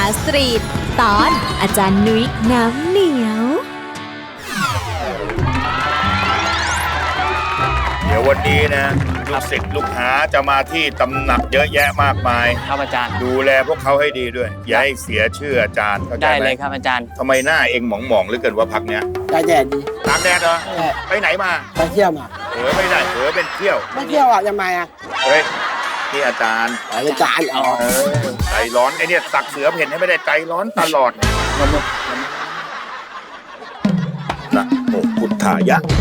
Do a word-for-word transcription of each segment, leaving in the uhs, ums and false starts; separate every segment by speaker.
Speaker 1: สตรีทตอนอาจารย์นุ้ยน้ำเหนียว
Speaker 2: เดี๋ยววันนี้นะลูกศิษย์ลูกหาจะมาที่ตำหนักเยอะแยะมากมาย
Speaker 3: ครับอาจารย์
Speaker 2: ดูแลพวกเขาให้ดีด้วยอย่าให้เสียชื่ออาจารย์เข้าใจไหม
Speaker 3: ได้เลยครับอาจารย์
Speaker 2: ทำไมหน้าเองหมองๆเหลือเกินว่าพักเนี้ย
Speaker 4: ตากแดดดี
Speaker 2: ตากแดดเหรอไปไหนมา
Speaker 4: ไปเที่ยวมา
Speaker 2: เออไม่ได้เออเป็นเที่ยว
Speaker 4: ไม่เที่ยวอ่ะทำไมอ่ะ
Speaker 2: เฮ้ยนี่อาจารย์
Speaker 4: อาจารย์อ๋อ
Speaker 2: ใจร้อนไอเนี่ยสักเสือเพ่นให้ไม่ได้ใจร้อนตลอดนะโอ้พุทธายะ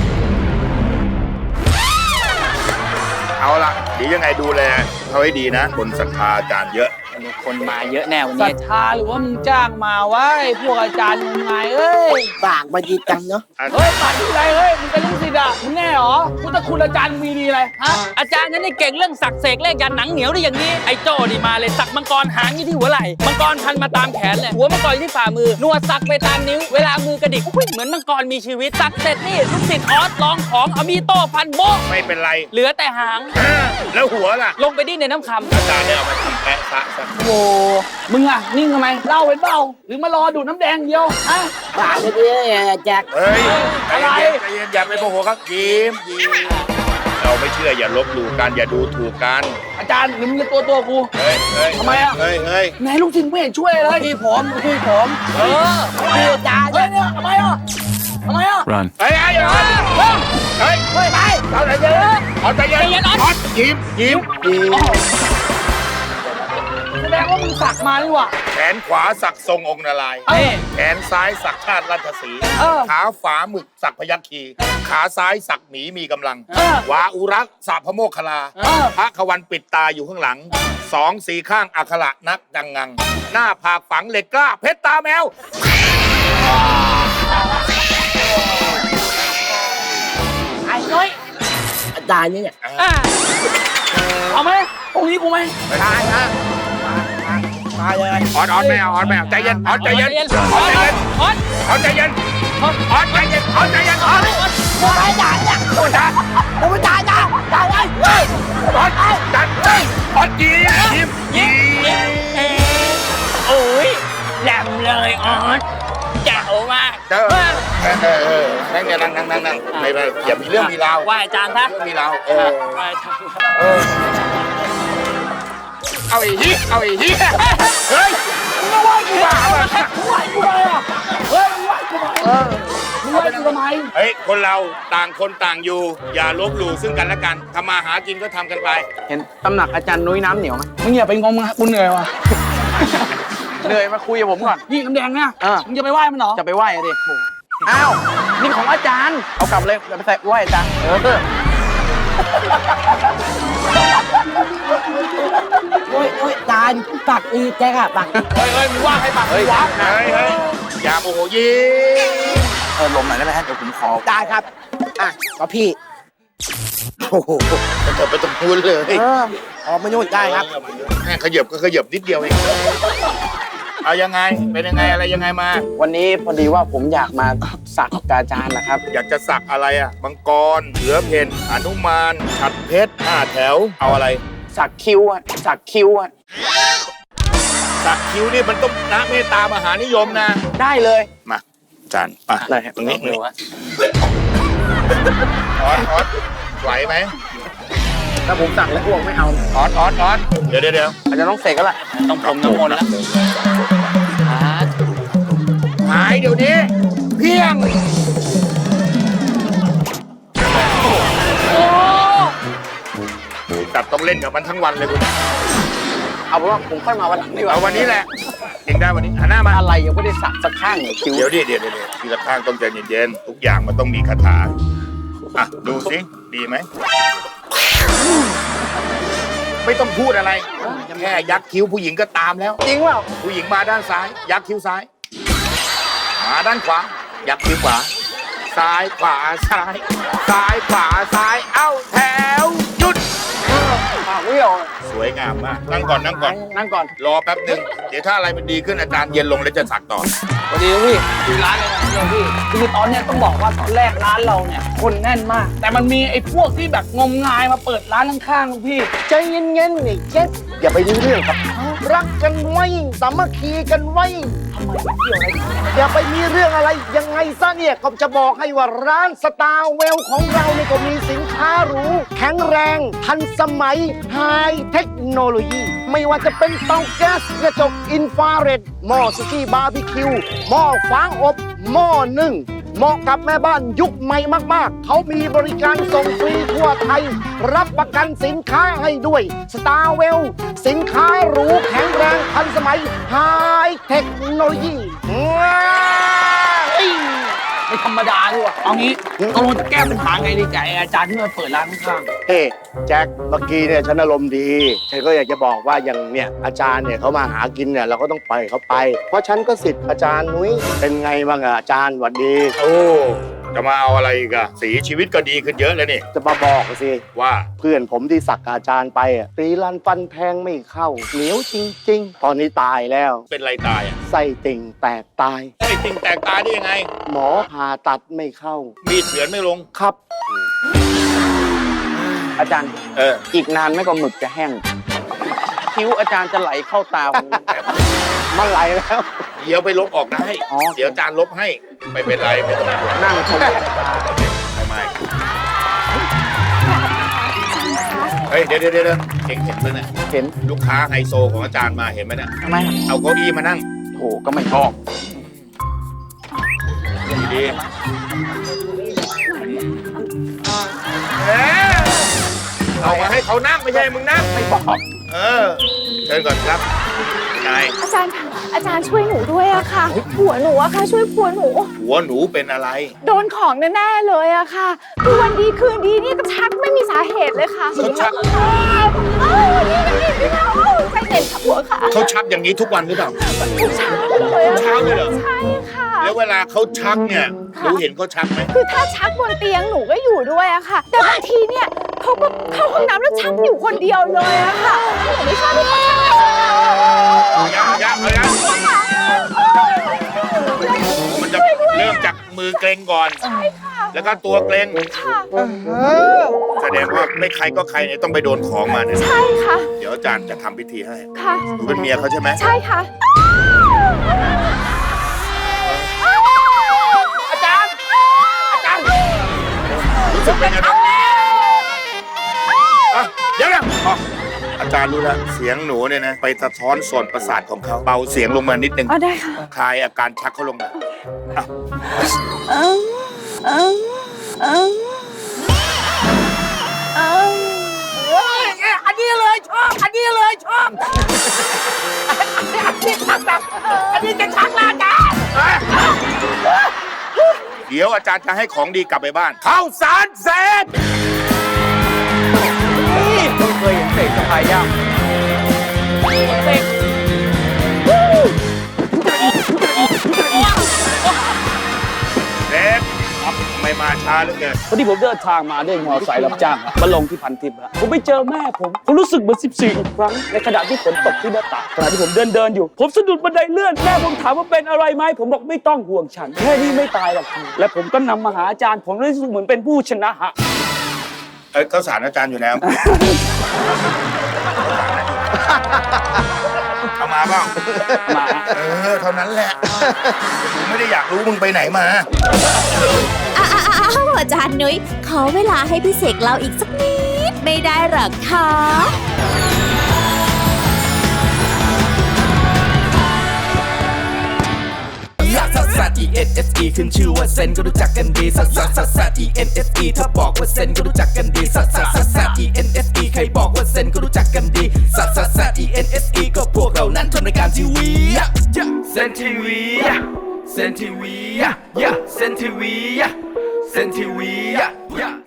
Speaker 2: เอาละเดี๋ยวยังไงดูแลเขาให้ดีนะคนศรัทธาอาจารย์เยอะ
Speaker 3: คนมาเยอะแน่วัน
Speaker 5: ศรั
Speaker 3: นี้
Speaker 5: ทธาหรือว่ามึงจ้างมาไว้พวกอาจารย์งมงายเอ้ย
Speaker 4: ปากมาดีจังเนาะ
Speaker 5: เฮ้ยปากที่ไรเฮ้ยมึงเป็นลูกศิษย์อ่ะมึงแน่หรอพุทธคุณอาจารย์มีดีอะไรฮะ
Speaker 3: อาจารย์นั้นนี่เก่งเรื่องสักเสกเลขยันหนังเหนียวได้อย่างนี้ไอ้โจ้นี่มาเลยสักมังกรหางอยู่ที่หัวไหล่มังกรพันมาตามแขนเลยหัวมังกรอยู่ที่ฝ่ามือหนวดสักไปตามนิ้วเวลามือกระดิกอุ้ยเหมือนมังกรมีชีวิตสักเสร็จนี่ลูกศิษย์ออสลองของเอามีโต้พันโบ๊ะ
Speaker 2: ไม่เป็นไร
Speaker 3: เหลือแต่หาง
Speaker 2: แล้วหัวล่ะ
Speaker 3: ลงไปดิ้นในน้ำคำ
Speaker 2: อาจารย์เนี่ยเอามาทำแปะซะซะ
Speaker 5: โอ้มึงอ่ะนิ่งทำไมเล่าเป็นเบ้าหรือมารอดูดน้ำแดงเดียวฮะ
Speaker 4: ปากจะดีแจ็ค
Speaker 2: เฮ้ยอะไรใจเย็นอย่าไปโมโหครับยิ้มยิ้มเราไม่เชื่ออย่าลบหลู่กันอย่าดูถูกกัน
Speaker 5: อาจารย์หรือมึงจะตัวตัวกู
Speaker 2: เฮ้ยเฮ้ย
Speaker 5: ทำไมอ่ะ
Speaker 2: เฮ้ยเฮ้ย
Speaker 5: ไหนลูกศิษย์ไม่เห็นช่วยเลยพี่ผมพี่ผม
Speaker 3: เออ
Speaker 5: พี่อาจารย์เนี่ยทำไมอ่ะทำไมอ่ะ
Speaker 2: run เฮ้ยเฮ้ยเฮ้ยเฮ้ยเฮ้ยไปเอาใจเย็นเอาใจเย็นยิ้มยิ้มยิ้ม
Speaker 5: แสดงว่ามึงสักมานี่หว่า
Speaker 2: แขนขวาสักทรงองค์นารายณ์แขนซ้ายสักชาติราชสีห์ขาฝาหมึกสักพยัคฆ์คีขาซ้ายสักหมีมีกำลังวาอุรักษ์สักพระโมคคัลลาพระขวันปิดตาอยู่ข้างหลังสองสีข้างอัคระนักดังงังหน้าผากฝังเหล็กกล้าเพชรตาแมว
Speaker 5: ไอ้น้อย
Speaker 4: อาจารย์นี่เนี่ย
Speaker 5: เอาไหมตรงนี้กูไหม
Speaker 2: ได้ฮะ
Speaker 4: มาเลย
Speaker 2: ออดออดไม่เอาออดไม่เอาใจเย็นออดใจเย็นออดใจเย็นออดออดใจเย็นออดใจเย็นออดใจเย็นออด
Speaker 4: กูไม่จ่ายเนี่ยกูจ่ายกูไม่จ่ายนะจ่ายเลยเฮ้ย
Speaker 2: ออดจัดเลยออดยิ้มยิ้มยิ้ม
Speaker 3: โอ้ยแหลมเลยออดแจ๋วมาก
Speaker 2: เออเออเออนั่งนั่งนั่งนั่งนั่งไม่ไม่อย่ามีเรื่องมีราว
Speaker 3: ว่าอาจารย์ซะ
Speaker 2: มีราวเออ
Speaker 3: ว่าอาจารย์
Speaker 2: เออเอาอีกทีเอาอีกทีเฮ้ย
Speaker 5: มึงว่ากูบ้าอ่ะมึงว่ากูบ้าอ่ะเฮ้ยมึงว่ากูบ้าเออมึงว่ากูทำไม
Speaker 2: เฮ้ยคนเราต่างคนต่างอยู่อย่าลบหลู่ซึ่งกันและกันทำมาหากินก็ทำกันไป
Speaker 6: เห็นตำหนักอาจารย์นุ้ยน้ำเหนียวไหม
Speaker 5: มึงอย่าไปงงนะกูเหนื่อยว่ะ
Speaker 6: เหนื่อยมาคุยกับผมก่อน
Speaker 5: นี่น้ำแดงเนี่ยมึงจะไปไหว้มันเหรอ
Speaker 6: จะไปไหว้ดิอ้าวนี่ของอาจารย์เอากลับเลยจะไปใส่ไหว้อาจารย์เออ
Speaker 4: โอ้ยโอ้ยอาจารย์ปากอีแจ็คอะปาก
Speaker 5: เฮ้ยเฮ้ยมึงว่าใครปากเฮ้ยวะ
Speaker 2: เฮ้ยเฮ้ยอย่าโมโหยิ้ม
Speaker 6: เออลมหน่อยได้ไหมฮะเดี๋ยวผมขอ
Speaker 4: ได้ครับอ่ะก็พี่โอ้โห
Speaker 2: จะไปตรงพูนเลย
Speaker 4: เออออกมาโน่นได้ครับ
Speaker 2: แค่ขยับก็ขยับนิดเดียวเองเอายังไงเป็นยังไงอะไรยังไงมา
Speaker 6: วันนี้พอดีว่าผมอยากมาสักกับอาจารย์นะครับ
Speaker 2: อยากจะสักอะไรอ่ะมังกรเสือเพ่นหนุมานฉัตรเพชรห้าแถวเอาอะไร
Speaker 6: สักคิ้วอ่ะสักคิ้วอ่ะ
Speaker 2: สักคิ้วนี่มันต้องนะเมตตามหานิยมนะ
Speaker 6: ได้เลย
Speaker 2: มาจานป่ะตรงนี้มือวะออดออดไหวไหม
Speaker 6: ถ้าผมสั่งแล้วพวกไม่เอา
Speaker 2: ออดออดออดเดี๋ยวเดี๋ยวเดี๋ยว
Speaker 6: อาจจะต้องเสกก็แหละ
Speaker 3: ต้องผมน้ำมนต์แล้ว
Speaker 2: หายเดี๋ยวนี้เพียงตัดต้องเล่นกับมันทั้งวันเลยคุณ
Speaker 6: เอาเป็นว่าผมค่อยมาวันหลังดีกว่า
Speaker 2: เอาวันนี้แหละเองได้วันนี้หันหน้ามา
Speaker 6: อะไรยังไม่ได้สักสักข้างเลยคิว
Speaker 2: เดี๋ยวดิเดี๋ยวเดี๋ยวทีละข้างต้องใจเย็นๆทุกอย่างมันต้องมีคาถาอ่ะดูสิดีไหมไม่ต้องพูดอะไรแค่ยักคิ้วผู้หญิงก็ตามแล้ว
Speaker 6: จริงเปล่า
Speaker 2: ผู้หญิงมาด้านซ้ายยักคิ้วซ้ายมาด้านขวายักคิ้วขวาซ้ายขวาซ้ายซ้ายขวาซ้ายเอ้าแถวหยุด
Speaker 6: ปากเวี่ยว
Speaker 2: สวยงามมากนั่งก่อนนั่งก่อน
Speaker 6: นั่งก่อน
Speaker 2: รอแป๊บหนึ่งเดี๋ยวถ้าอะไรมันดีขึ้นอาจารย์เย็นลงแล้วจะสักต่อ
Speaker 6: สวัสดีพี่
Speaker 5: ดูร้านเลยนะพี่คือตอนเนี้ยต้องบอกว่าตอนแรกร้านเราเนี่ยคนแน่นมากแต่มันมีไอ้พวกที่แบบงมงายมาเปิดร้านข้างๆลูกพี่
Speaker 4: ใจเย็นๆนี่เจ็บอย่าไปดื้อเรื่องกับเขารักกันไว้สามัคคีกันไว้อย่าไปมีเรื่องอะไรยังไงซะเนี่ยก็จะบอกให้ว่าร้านสตาร์เวลของเราเนี่ยก็มีสินค้าหรูแข็งแรงทันสมัยไฮเทคโนโลยีไม่ว่าจะเป็นเตาแก๊สกระจกอินฟราเรดหม้อสุกี้บาร์บีคิวหม้อฟางอบหม้อนึ่งเหมาะกับแม่บ้านยุคใหม่มากๆเขามีบริการส่งฟรีทั่วไทยรับประกันสินค้าให้ด้วยสตาร์เวลสินค้าหรูแข็งแรงทันสมัยไฮเทคโนโลยี
Speaker 5: ไม่ธรรมดาด้วยว่ะเอางี้ตกลงจะแก้ปัญหาไงดีกับไอ้อาจารย์ที่มาเปิดร้านข้าง
Speaker 4: เฮ้แจ็คเมื่อกี้เนี่ยฉันอารมณ์ดีฉันก็อยากจะบอกว่าอย่างเนี่ยอาจารย์เนี่ยเขามาหากินเนี่ยเราก็ต้องปล่อยเขาไป เพราะฉันก็สิทธิ์อาจารย์นุ้ยเป็นไงบ้างอะอาจารย์หวัดดี
Speaker 2: โอ้จะมาเอาอะไรอีกอะสีชีวิตก็ดีขึ้นเยอะเลยนี่
Speaker 4: จะมาบอกสิ
Speaker 2: ว่า
Speaker 4: เพื่อนผมที่สักกับอาจารย์ไปอะตีลันฟันแทงไม่เข้าเหนียวจริง ๆ ตอนนี้ตายแล้ว
Speaker 2: เป็นไรตายอะ
Speaker 4: ไส้ติ่งแตกตาย
Speaker 2: ไอ้ติ่งแตกตายได้ยังไง
Speaker 4: หมอผ่าตัดไม่เข้า
Speaker 2: มีดเฉือนไม่ลง
Speaker 4: ครับ
Speaker 6: อาจารย์
Speaker 2: เออ
Speaker 6: อีกนานไม่ก็หมึกจะแห้ง คิ้วอาจารย์จะไหลเข้าตาผม
Speaker 4: มันไหลแล้ว
Speaker 2: เดี๋ยวไปลบออกได้
Speaker 6: อ๋อ
Speaker 2: เดี๋ยวอาจารย์ลบให้ ไม่เป็นไรไม่ต้องห่วง
Speaker 6: นั่งชม
Speaker 2: ทำไมเฮ้ยเดี๋ยวเดี๋ยวเดี๋ยวเห็นเห็นไหมเนี่ย
Speaker 6: เห็น
Speaker 2: ลูกค้าไฮโซของอาจารย์มาเห็นไหมเนี่ย
Speaker 6: ทำไมครับ
Speaker 2: เอาเก้าอี้มานั่ง
Speaker 6: โหก็ไม่ชอบ
Speaker 2: ดีเอ๊ะเอามาให้เขานั่งไม่ใช่มึงนั่ง
Speaker 6: ไม่บอก
Speaker 2: เออเชิญก่อนครับนาย
Speaker 1: อาจารย์คะอาจารย์ช่วยหนูด้วยอะค่ะ ผัวหนูอะค่ะ ช่วยผัวหนู
Speaker 2: หัวหนูเป็นอะไร
Speaker 1: โดนของแน่ๆเลยอะค่ะคือวันดีคืนดีนี่ก็ชักไม่มีสาเหตุเลยค่ะ
Speaker 2: เขาชัก
Speaker 1: เอ้านี่นี่นี่ค่ะเอ้าใจเย็นค่ะผัวค่ะ
Speaker 2: เขาชักอย่างนี้ทุกวันหรือเปล่า
Speaker 1: ทุกเช้าเลยอะ
Speaker 2: ทุกเช้าเลยเหรอ
Speaker 1: ใช่ค่ะ
Speaker 2: แล้วเวลาเขาชักเนี่ยหนูเห็นเขาชักไหม
Speaker 1: คือถ้าชักบนเตียงหนูก็อยู่ด้วยอะค่ะ แต่บางทีเนี่ยเขาก็เข้าห้องน้ำแล้วชักอยู่คนเดียวเลยอะค่ะหนูไม่ชอบที่เขาชัก
Speaker 2: ยังยังเอายังมันจะเริ่มจากมือเกร็งก่อน แล้วก็ตัวเกร็ง
Speaker 1: ค่ะ
Speaker 2: แสดงว่าไม่ใครก็ใครเนี่ยต้องไปโดนของมาเนี่ย
Speaker 1: ใช่ค่ะ
Speaker 2: เดี๋ยวอาจารย์จะทำพิธีให้
Speaker 1: ค่ะ
Speaker 2: หนูเป็นเมียเขาใช่ไหม
Speaker 1: ใช่ค่ะ
Speaker 5: อาจารย์ อาจารย์
Speaker 2: รู้สึกเป็นไงบ้างอ่ะเดี๋ยวนะอ๋ออาจารย์รู้แล้วเสียงหนูเนี่ยนะไปสะท้อนส่วนประสาทของเขาเบาเสียงลงมานิดนึง
Speaker 1: อ๋อได้ค่ะ
Speaker 2: คลายอาการชักเขาลงมาอ่ะ
Speaker 1: เอิมเอิมเอิมเอิม
Speaker 5: อันนี้เลยชอบ อันนี้เลยชอบ อันนี้ชักแบบอันนี้จะชักแล้วอาจารย์
Speaker 2: เดี๋ยวอาจารย์จะให้ของดีกลับไปบ้านข้าวสารเสร็จ
Speaker 6: นี่เพิ่งเคยเห็นเสกสะพายย่าง
Speaker 2: เสร็จทำไมมาช้าเหลือเกิน
Speaker 5: พอดีผมเดินทางมาด้วยมอเตอร์ไซค์รับจ้างครับมาลงที่พันทิพย์ฮะผมไปเจอแม่ผม ผมรู้สึกเหมือนสิบสี่อีกครั้ง ในขณะที่ฝนตกที่หน้าต่างขณะที่ผมเดินเดินอยู่ ผมสะดุดบันไดเลื่อน แม่ผมถามว่าเป็นอะไรไหม ผมบอกไม่ต้องห่วงฉัน แค่นี้ไม่ตายหรอกคุณและผมก็นำมาหาอาจารย์ ผมรู้สึกเหมือนเป็นผู้ชนะฮะ
Speaker 2: เอ้ยข้าวสารอาจารย์อยู่แล้วเอามาเปล่า
Speaker 5: มา
Speaker 2: เออเท่านั้นแหละผมไม่ได้อยากรู้มึงไปไหนมา
Speaker 1: อ้าวอาจารย์นุ้ยขอเวลาให้พี่เสกเราอีกสักนิดไม่ได้หรอคะ
Speaker 7: ลักซัสซัส E N S E ขึ้นชื่อว่าเซนก็รู้จักกันดีซัสซัสซัสซัส E N S E ถ้าบอกว่าเซนก็รู้จักกันดีซัสซัสซัสซัส E N S E ใครบอกว่าเซนก็รู้จักกันดีซัสซัสซัส E N S E ก็พวกเรานั้นทำรายการทีวีเซนทีวีเซนทีวีเซนทีวีเซนทีวี